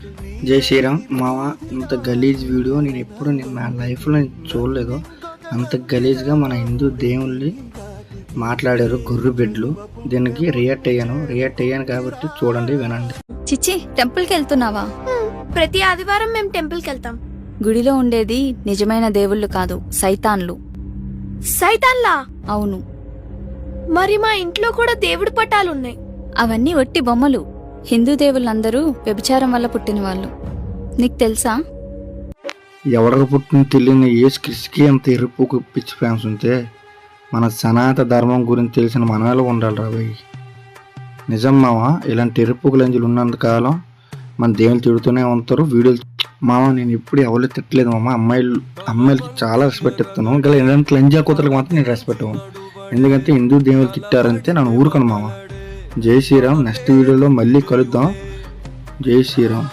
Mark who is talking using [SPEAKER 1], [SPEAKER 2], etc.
[SPEAKER 1] జై శ్రీరామ్ మామ. ఇంత గలీజ్ వీడియో నేను ఎప్పుడు నా లైఫ్లో చూడలేదు. అంత గలీజ్గా మన హిందూ దేవుళ్ళని మాట్లాడారు గొర్రె బిడ్డలు. దీనికి రియాక్ట్ అయ్యాను కాబట్టి చూడండి, వినండి.
[SPEAKER 2] చిచ్చి, టెంపుల్కి వెళ్తున్నావా?
[SPEAKER 3] ప్రతి ఆదివారం మేము టెంపుల్కి వెళ్తాం.
[SPEAKER 2] గుడిలో ఉండేది నిజమైన దేవుళ్ళు కాదు, సైతాన్లు.
[SPEAKER 3] సైతాన్లా?
[SPEAKER 2] అవును.
[SPEAKER 3] మరి మా ఇంట్లో కూడా దేవుడి పటాలున్నాయి.
[SPEAKER 2] అవన్నీ ఒట్టి బొమ్మలు. హిందూ దేవుళ్ళందరూ వ్యభిచారం వల్ల పుట్టిన వాళ్ళు. నీకు తెలుసా?
[SPEAKER 1] ఎవరికి పుట్టిన తెలియని ఏసు క్రిస్కి అంత ఎరుపు పిచ్చి ఫ్యాన్స్ ఉంటే మన సనాతన ధర్మం గురించి తెలిసిన మనలో ఉండాలి రా భయ్. నిజం మామ, ఇలాంటి ఎరుపు లంజులు ఉన్నంతకాలం మన దేవుళ్ళు తిడుతూనే ఉంటారు. వీడియోలు మామ నేను ఎప్పుడు ఎవరు తిట్టలేదు మామ. అమ్మాయిలకి చాలా రెస్పెక్ట్ ఇస్తాను. ఇంకా ఇలాంటి లంజా కూతురికి మాత్రం నేను రెస్పెక్ట్ ఇవ్వను. ఎందుకంటే హిందూ దేవుళ్ళు తిట్టారంటే నన్ను ఊరుకోను మామ. జై శ్రీరామ్. నెక్స్ట్ వీడియోలో మళ్ళీ కలుద్దాం. జై శ్రీరామ్.